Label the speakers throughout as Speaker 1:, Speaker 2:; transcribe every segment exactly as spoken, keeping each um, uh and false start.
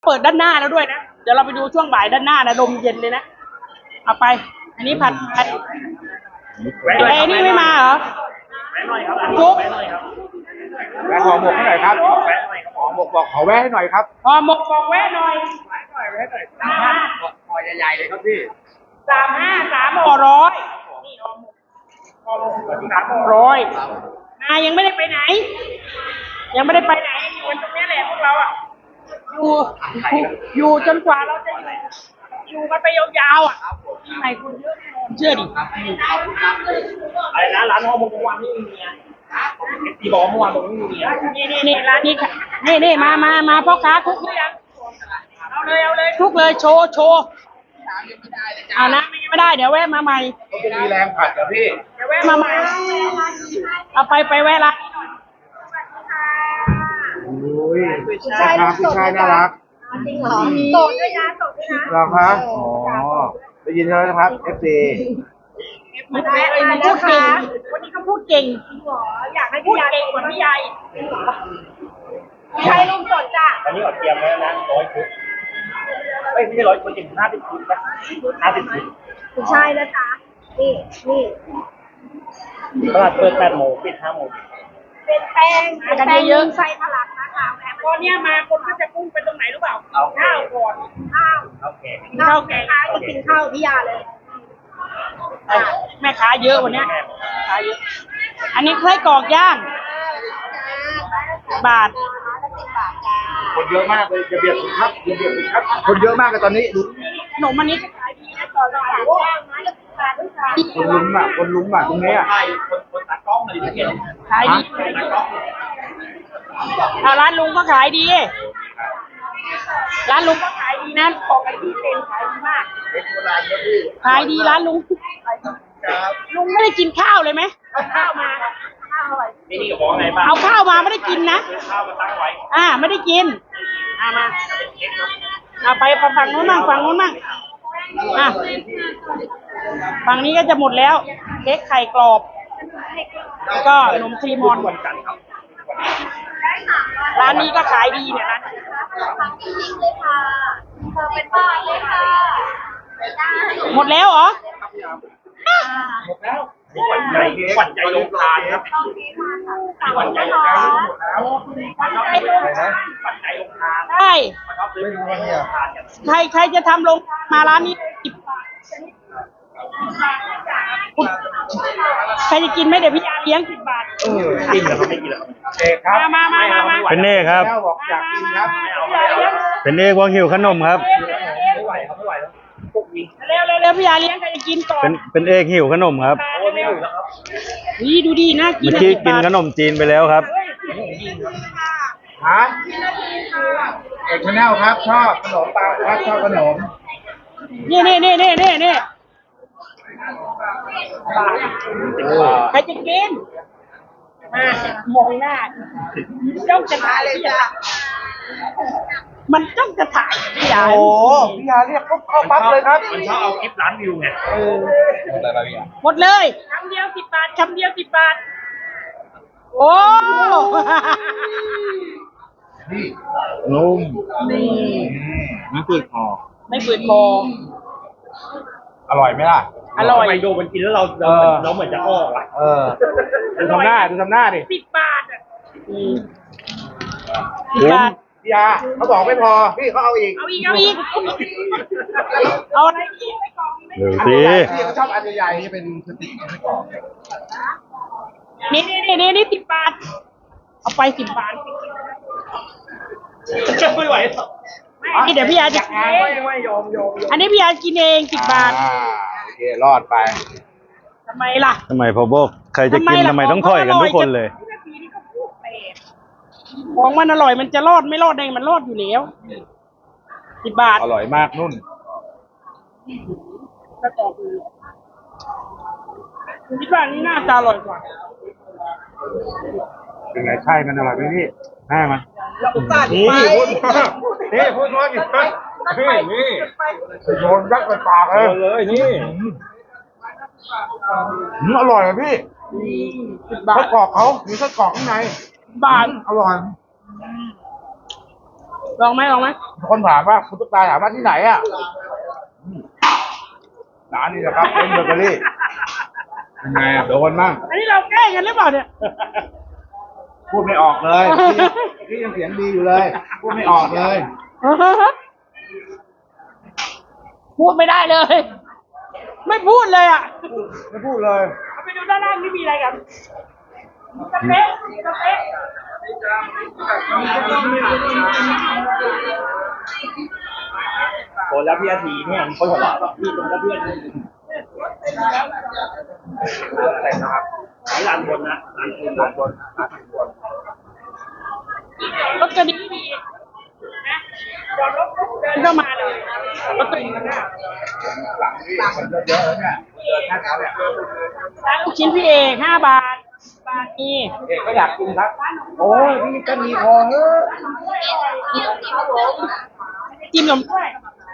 Speaker 1: เปิดด้านหน้าแล้วด้วยนะเดี๋ยวเราไปดูช่วงบ่ายด้านหน้านะลมเย็นเลยนะเอาไปอันนี้ผัดไทยไอ้นี่ไม่มาเหรอ
Speaker 2: แวะหน่อยครับ
Speaker 1: จุ๊บ
Speaker 2: แวะหอหมกให้หน่อยครับแวะหน่อยครับหอหมกบอกขอแวะให้หน่อยครับ
Speaker 1: หอหมกบอกแวะหน่อย
Speaker 2: แวะหน่อยแวะหน่อยสามห้าหอใหญ่ๆเลยครับพี่
Speaker 1: สามห้าสามห่อร้อยนี่หอหมกหอหมกสามห่อร้อยนายังไม่ได้ไปไหนยังไม่ได้ไปไหนอยู่กันตรงนี้แหละพวกเราอ่ะอยู่อยู่จนกว่าเราจะอยู่อยู่กันไปยาวๆอ่ะที่ไหนคนเยอะแน่นอนเชื่อดิ
Speaker 2: อะไรนะร้านห่อหมกเมื่อวานนี่มีเมียตีบอกเมื่อวานบอกไม่มีเมีย
Speaker 1: นี่นี่นี่ร้านนี้ค่ะนี่นี่มามามาพ่อค้าคุกหรือยังเอาเลยเอาเลยคุกเลยโชว์โชว์เอานะไม่ได้เดี๋ยวแวะมาใหม่
Speaker 2: ก็จะมีแรงผัดกับพี่
Speaker 1: เดี๋ยวแวะมาใหม่เอาไปไปแวะร้าน
Speaker 2: โอ้ยผู้ชายผู้ชายน่ารัก
Speaker 3: จริงเหรอโสดด้วยนะโสดด้วยนะ
Speaker 2: หรอคะอ๋อได้ยินแล้วนะครับ เอฟ ซี
Speaker 1: มันแวะมาพูดเก่งวันนี้เขาพูดเก่งหรออยากให้พูดเก่งกว่าพี่ใหญ่
Speaker 3: ใช่ลุงสดจ้ะ
Speaker 2: อันนี้อดเตรียมแล้วนะร้อยชุดเอ้ยไม่ใช่ร้อยชุดจริงห้าสิบชุดนะห้าสิบชุด
Speaker 3: ไม่ใช่นะจ๊ะนี่นี่
Speaker 2: ตลาดเปิดแปดโมงปิดห้าโมง
Speaker 3: เป็นแป้งเป็นแป้งเยอะไส้ทะลักนะคะ
Speaker 1: ตอนนี้มาคนก็จะพุ่งไปตรงไหนรู้เปล่าข้าวก่อน
Speaker 3: ข้าว
Speaker 2: โอเค
Speaker 3: ข้าวแกงจะกินข้าวพี่ยาเลย
Speaker 1: แม่ค้าเยอะวันนี้ค้าเยอะอันนี้ไส้กรอกย่างบาท
Speaker 2: คนเยอะมากเลยจะเบียดครับจะเบียดครับคนเยอะมากเลยตอนนี้ดู
Speaker 1: ขนมอันนี้ขายดีนะต่อราคา
Speaker 2: คนลุ้มอ่ะคนลุ้มอ่ะตรงนี้อ่ะคนคนตากล้องเลยที่เห็น
Speaker 1: ขายดีเอาร้านลุงก็ขายดีร้านลุงก็ขายดีนะของไอ้ที่เป็นขายดีมากขายดีร้านลุงลุงไม่ได้กินข้าวเลยไหมเอาข้าวมา
Speaker 3: ข้าวอร่อย
Speaker 2: นี่นี่กับบอกไงบ้าง
Speaker 1: เอาข้าวมาไม่ได้กินนะ
Speaker 2: ข้าวมาตั้งไว้
Speaker 1: อ่าไม่ได้กินอ่ามาเอาไปฝั่งนู้นมั่งฝั่งนู้นมั่งอ่ะฝั่งนี้ก็จะหมดแล้วเค้กไข่กรอบแล้วก็ขนมครีมมอนร้านนี้ก็ขายดีเนี่ยร้าน
Speaker 3: เลยค่ะเธอเป็นบ้านเลยค่ะ
Speaker 1: หมดแล้วเหรอ
Speaker 2: หมดแล้วขวัญใจขวัญใจลงทานครับขวัญใจลงทานหมดแล้วขวัญใจลงทานขวัญใจลงทาน
Speaker 1: ใช่ใครใครจะทำลงมาร้านนี้ใครจะกินไหมเดี๋ยวพี่ยาเลี้ยงสิบบาท
Speaker 2: เออกินแล้วเขาไม่กินแล้วเอกครับ
Speaker 1: มามามามา
Speaker 4: เป็นเอกครับ
Speaker 2: บอกอยากกินครับ
Speaker 4: เป็นเอกวางหิวขนมครับ
Speaker 2: ไม่ไหวครับไม่ไหวแล้วพวกนี้
Speaker 1: เร็วเร็วเร็วพี่ยาเลี้ยงใครจะกินก่อน
Speaker 4: เป็นเป็นเอกหิวขนมครับ
Speaker 2: โอ้ไม่หิวแล้วครับ
Speaker 1: นี่ดูดีน่ากิน
Speaker 4: เมื่อกี้กินขนมจีนไปแล้วครับ
Speaker 2: ฮะเอกชาแนลครับชอบขนมปังครับชอบขนม
Speaker 1: นี่นี่นี่นี่นี่นี่ใครจะกินมามองหน้าจ้องจะถ่ายเลยจ้ะมันจ้องจะถ่ายพี่ยา
Speaker 2: โอ้พี่ยาเรียกปุ๊บเข้าปั๊บเลยครับมันชอบเอาคลิปร้านวิวไงเออ
Speaker 1: หมดเลยคำเดียวสิบบาทคำเดียวสิบบาทโอ้
Speaker 2: นี่นุ่ม
Speaker 1: นี่
Speaker 2: ไม่ฝืดคอ
Speaker 1: ไม่ฝืดคอ
Speaker 2: อร่อยไหมล่ะ
Speaker 1: อร่อย
Speaker 2: ไปดูมันกินแล้วเราเราเหมือนจะอ้อว่ะเออดูทำหน้าดูทำหน้าดิ
Speaker 1: สิบบาทอ่ะสิบบาท
Speaker 2: พี่ยาเขาบอกไม่พอพี่เขาเอาอีก
Speaker 1: เอาอีกเอาอีกเอาอะไรอีกไม่กล่อง
Speaker 4: เดี๋ยวสิ
Speaker 2: พี่เขาชอบอันใหญ่ๆนี่เป็นสติ๊กไม่กล่อง
Speaker 1: นี่นี่นี่นี่สิบบาทเอาไปสิบบาท
Speaker 2: ไม่ไหว
Speaker 1: ไม่เดี๋ยวพี่ยาจะกินเอง
Speaker 2: ไม่ยอมยอม
Speaker 1: อันนี้พี่ยากินเองสิบบาท
Speaker 2: โอเครอดไป
Speaker 1: ทำไมล่ะ
Speaker 4: ทำไมพอบอกใครจะกินทำไมต้องถอยกันทุกคนเลย
Speaker 1: ของมันอร่อยมันจะรอดไม่รอดเองมันรอดอยู่แล้วสิบบาท
Speaker 2: อร่อยมากนุ่น
Speaker 1: ก็ต่อคือคิดว่านี้น่าจะอร่อยกว่า
Speaker 2: เป็นไงใช่มันอร่อยไหมพี่แม่มันนี่พูดนี่พูดว่าอยู่นี่นี่โยนยักษ์ไปปากเลยเลยนี่อร่อยอ่ะพี่ไส้กรอกเขามีไส้กรอกข้างใน
Speaker 1: บาท
Speaker 2: อร่อย
Speaker 1: ลองไหมลองไหม
Speaker 2: คนถามว่าคุณตุ๊กตาถามว่าที่ไหนอ่ะร้านนี้นะครับเป็นเบเกอรี่ยังไงอ่ะโดนมั่ง
Speaker 1: อันนี้เราแกล้งกันหรือเปล่าเนี่ย
Speaker 2: พูดไม่ออกเลยที่ยังเสียงดีอยู่เลย พูดไม่ออกเลย
Speaker 1: พูดไม่ได้เลย ไม่พูดเลยอ่ะ
Speaker 2: ไม่พูดเลย
Speaker 1: เอาไปดูด้านล่างนี่มีอะไรกันสเต๊ะสเต๊ะ
Speaker 2: โดนแล้วพี่อาทีเนี่ยมีคนหัวเราะพี่โดนแล้วเพื่อนอะไรนะครับร้านบนนะร้านบนร้านบนร้านบน
Speaker 1: รถก็ดีดีนะจอดรถปุ๊บเดินเข้ามาเลยรถตัวเองนะ
Speaker 2: หลังนี่คนเยอะๆแล้วเนี่ยเดินแค่นั้นแหละ
Speaker 1: ร้านลูกชิ้นพี่เอกห้าบาทบาทนี่
Speaker 2: เอกก็อยากกินครับโอ้ยพี่ก็มีพอเฮ้ย
Speaker 1: จิ้มนมด้วย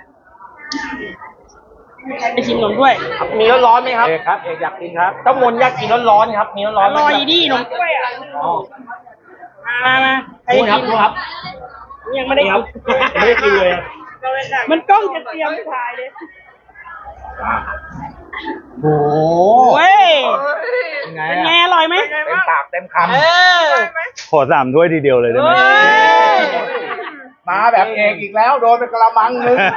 Speaker 1: ไปชิมนมด้วย
Speaker 5: มีร้อนๆไหมครับ
Speaker 2: เอกครับเอกอยากกินครับ
Speaker 5: เจ้ามนอยากกินร้อนๆครับ มีร้
Speaker 1: อ
Speaker 5: อนๆไหม
Speaker 1: ร่อย
Speaker 5: ครับ
Speaker 1: ดีนมกล้วยอ่ะ
Speaker 5: อ๋อ
Speaker 1: มามาใคร
Speaker 5: ดูค
Speaker 1: กิ
Speaker 5: รับ
Speaker 1: น
Speaker 5: ดูครับ
Speaker 1: ยังไม่ได้
Speaker 5: นี่ค
Speaker 1: กิ
Speaker 5: รับ
Speaker 1: น
Speaker 5: ไม่ได้กินเลยอะ
Speaker 1: มันกล้องจะเตรียมถ่ายเลย
Speaker 2: โอ้โห
Speaker 1: เว้ย
Speaker 2: เป็นไง
Speaker 1: เป็นไง
Speaker 2: อะ
Speaker 1: อร่อยไหม
Speaker 2: เต็มปากเต็มค
Speaker 1: เออ
Speaker 4: ขอสามถ้วยทีเดียวเลยได้ไหม
Speaker 1: เฮ้ย
Speaker 2: ำมาแบบเอกอีกแล้วโดนเป็นกระมังนึง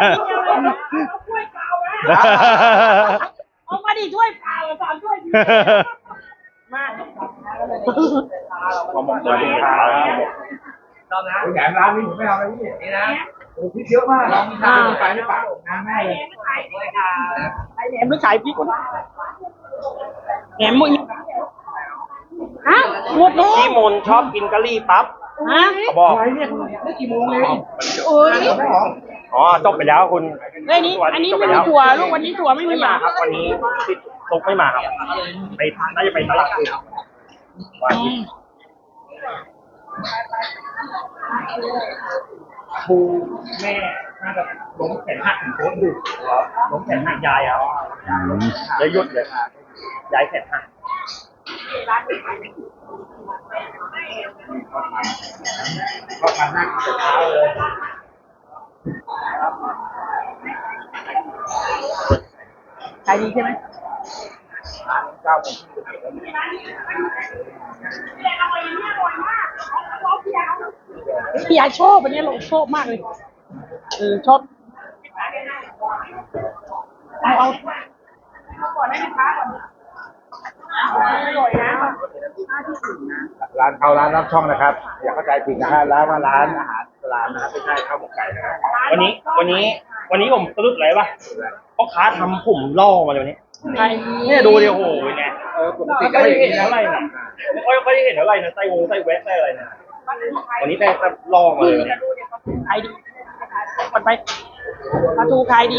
Speaker 1: เอามาดิถ้วยเปล่าสามถ้วยมา
Speaker 2: ขอหมดเลยครับแหนมร้านนี้ผมไม่เอาเลยพี่นี่นะโอ้พี่เยอะมากเรามีทางไปไม่ปากน้ำแม่เลย
Speaker 1: ไอแหนมหรือขายพริกวะแหนมมึงฮะหมดแล้ว
Speaker 5: พี่มนชอบกินกะหรี่ปั๊บ
Speaker 1: ฮะ
Speaker 5: เขาบอก
Speaker 2: อะไรเนี่ยได้กี่โมงเอง
Speaker 1: โอ้ย
Speaker 2: ไม่หรอ
Speaker 5: อ๋อจบไปแล้วคุณ
Speaker 1: เฮ้ยนี่อันนี้ไม่มีถั่วลูกวันนี้ถั่วไม่มี
Speaker 5: ไม่
Speaker 1: เหร
Speaker 5: มา
Speaker 1: อ
Speaker 5: ครับ วันนี้ที่ตุกไม่มาครับ ไปน่าจะไปตลาดอื่นวันนี้ครูแม่น่าจะล้มแขนหักโค้ดดึกล้มแขนหักยายครับเลยหยุดเลยยายแขนหัก
Speaker 2: ก็มานั่งแต่เช้าเลย
Speaker 1: ขายดีใช่ไหม
Speaker 2: เก้าโมง
Speaker 1: พี่ยายชอบอันนี้เราชอบมากเลยเออชอบเอาเอาก่อนให้ลูกค้าก่อนอร่อยนะ
Speaker 2: ร้านเขาร้านรับช่องนะครับ อย่าเข้าใจผิดนะฮะร้านว่าร้านอาหารร้านนะครับไม่ใช่ข้าวหมกไก่นะครับ
Speaker 5: วันนี้ วันนี้ วันนี้ผมสรุปอะไรวะพ่อค้าทำผมล่อมาเลยวันนี้
Speaker 1: ใคร
Speaker 5: เนี่ยดูดิโอ้โหเป็นไง
Speaker 2: เออปก
Speaker 5: ไม่
Speaker 2: ติ
Speaker 5: ค่
Speaker 2: ก็
Speaker 5: อย
Speaker 2: ไม่
Speaker 5: ได้
Speaker 2: เห็
Speaker 5: เห็
Speaker 2: น
Speaker 5: น
Speaker 2: นะ
Speaker 5: เท่าไหร่นะไม่ค่อยค่อยได้เห็นเท่าไหร่นะไส้วงไส้แวะไส้อะไรนะวันนี้แต่ล่อมาเลยเนี่ย
Speaker 1: ขายดีก่อนไปปลาทูขายดี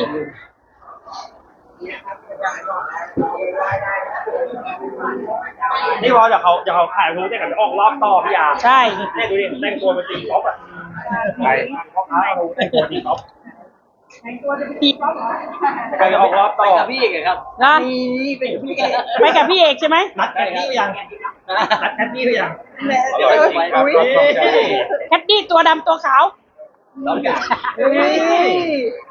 Speaker 5: นี่พอจะเขาจะเขาขายรู้ได้กับออกรอบต่อพี่ยา
Speaker 1: ใช่
Speaker 5: เนี่ยดูดิแต่งตัวเป็นตีก๊อฟอ่ะ
Speaker 2: ไป
Speaker 5: พ่อค้ารู้แต่งตัวตีก๊อฟ
Speaker 1: ตี
Speaker 5: ใครจะออกรอบต่อ
Speaker 1: นะไปกับพี่เอกใช่ไหม
Speaker 5: นัดแคทตี้หรือยังนัดแคทตี้หรือยัง
Speaker 2: เดี๋ยวไปครับรอบช่องจะ
Speaker 1: แคดดี้ตัวดำตัวขาว
Speaker 5: ต้องการ